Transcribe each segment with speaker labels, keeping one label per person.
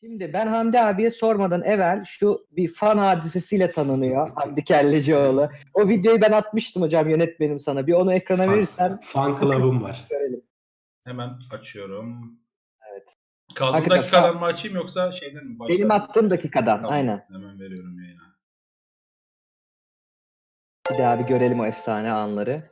Speaker 1: Şimdi ben Hamdi abiye sormadan evvel şu bir fan hadisesiyle tanınıyor Hamdi Kellecioğlu. O videoyu ben atmıştım hocam yönetmenim sana. Bir onu ekrana verirsen
Speaker 2: Fan club'ım var.
Speaker 1: görelim.
Speaker 3: Hemen açıyorum.
Speaker 1: Evet.
Speaker 3: Kaldığım
Speaker 1: Hakikaten
Speaker 3: dakikadan mı açayım yoksa şeyden mi?
Speaker 1: Benim attığım dakikadan
Speaker 3: Tamam,
Speaker 1: aynen.
Speaker 3: hemen veriyorum yayına.
Speaker 1: Bir daha bir görelim o efsane anları.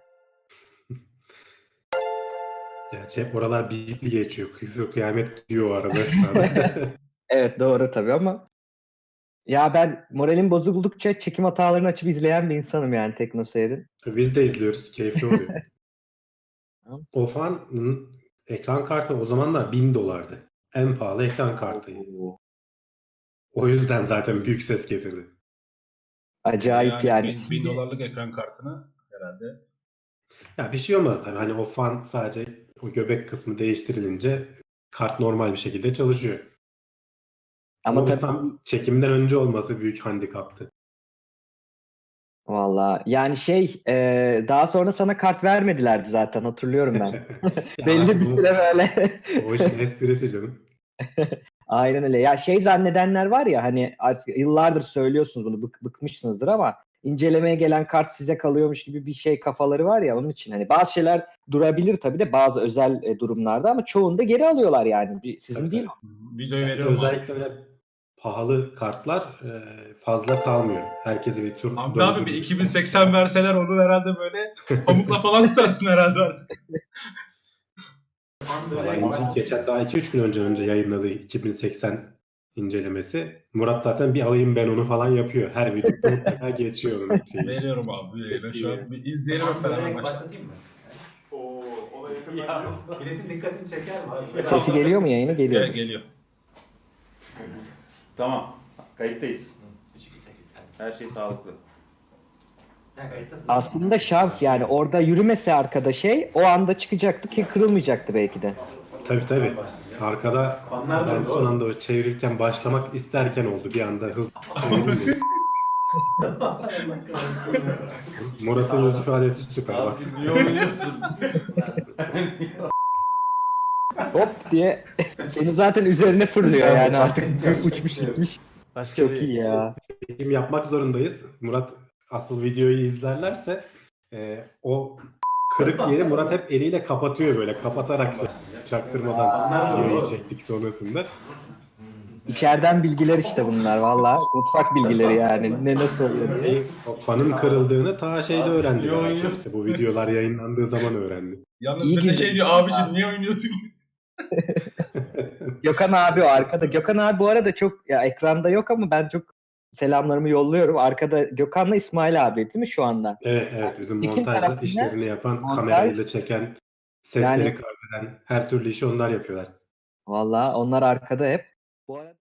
Speaker 2: Gerçi hep oralar bipli geçiyor. Küfür kıyamet diyor o arada esnada.
Speaker 1: Evet doğru tabii ama ya ben moralim bozuldukça çekim hatalarını açıp izleyen bir insanım yani TeknoSeyir'in.
Speaker 2: Biz de izliyoruz. Keyifli oluyor.
Speaker 1: Tamam.
Speaker 2: O fanın ekran kartı o zamanlar $1000'dı. En pahalı ekran kartıydı. O yüzden zaten büyük ses getirdi.
Speaker 1: Acayip yani.
Speaker 3: $1000 dolarlık ekran kartını herhalde.
Speaker 2: Ya bir şey olmadı tabii. Hani o fan sadece o göbek kısmı değiştirilince kart normal bir şekilde çalışıyor. Ama biz
Speaker 1: tabii
Speaker 2: tam çekimden önce olması büyük handikaptı.
Speaker 1: valla yani daha sonra sana kart vermedilerdi zaten hatırlıyorum ben.
Speaker 2: Ya
Speaker 1: Belli
Speaker 2: artık
Speaker 1: bir süre böyle.
Speaker 2: o işin esprisi canım.
Speaker 1: Aynen öyle. Ya zannedenler var ya hani artık yıllardır söylüyorsunuz bunu bıkmışsınızdır ama incelemeye gelen kart size kalıyormuş gibi bir şey kafaları var ya onun için hani bazı şeyler durabilir tabii de bazı özel durumlarda ama çoğunda geri alıyorlar yani. Sizin
Speaker 2: Tabii,
Speaker 1: değil.
Speaker 3: Videoyu
Speaker 2: Yani
Speaker 3: veriyorum
Speaker 2: özellikle öyle pahalı kartlar fazla kalmıyor. Herkesi bir tur
Speaker 3: Hamdi abi bir 2080 verseler onu herhalde böyle pamukla falan tutarsın herhalde artık.
Speaker 2: Vallahi geçen daha 2-3 gün önce yayınladığı 2080 incelemesi. Murat zaten bir alayım ben onu falan yapıyor. Her videoda mutlaka geçiyor onun şeyi.
Speaker 3: Veriyorum abi yayına şu an. Bir izleyelim hep beraber başlayalım.
Speaker 4: Başlatayım mı? Ona yakın milletin dikkatini çeker mi abi?
Speaker 1: Sesi geliyor mu yayını? Geliyor.
Speaker 3: Geliyor.
Speaker 4: Tamam. Kayıttayız. Her şey sağlıklı.
Speaker 1: Aslında şans yani orada yürümese arkada o anda çıkacaktı ki kırılmayacaktı belki de.
Speaker 2: Tabii. Arkada ben son anda çevirirken başlamak isterken oldu. Bir anda hızlı çevirince. Murat'ın yüz ifadesi süper. Bak.
Speaker 4: Niye oynuyorsun?
Speaker 1: Hop diye seni zaten üzerine fırlıyor yani artık uçmuş gitmiş.
Speaker 5: Başka
Speaker 1: Çok
Speaker 5: bir
Speaker 1: iyi ya.
Speaker 2: Çekim yapmak zorundayız. Murat asıl videoyu izlerlerse o kırık yeri Murat hep eliyle kapatıyor böyle. Kapatarak çaktırmadan videoyu çektik sonrasında.
Speaker 1: İçeriden bilgiler işte bunlar valla. Mutfak bilgileri yani. Ne nasıl oluyor diye.
Speaker 2: O fanın kırıldığını ta şeyde öğrendi. Herkes işte bu videolar yayınlandığı zaman öğrendi.
Speaker 3: Yalnız
Speaker 1: İyi
Speaker 3: bir de
Speaker 1: güzel.
Speaker 3: diyor abicim niye oynuyorsun?
Speaker 1: Gökhan abi o arkada. Gökhan abi bu arada çok ya ekranda yok ama ben çok selamlarımı yolluyorum. Arkada Gökhan'la İsmail abi değil mi şu anda?
Speaker 2: Evet bizim
Speaker 1: İki
Speaker 2: montaj
Speaker 1: tarafında
Speaker 2: işlerini yapan,
Speaker 1: montaj-
Speaker 2: kamerayla çeken, sesleri
Speaker 1: Yani-
Speaker 2: kaydeden her türlü işi onlar yapıyorlar.
Speaker 1: Valla onlar arkada hep. Bu arada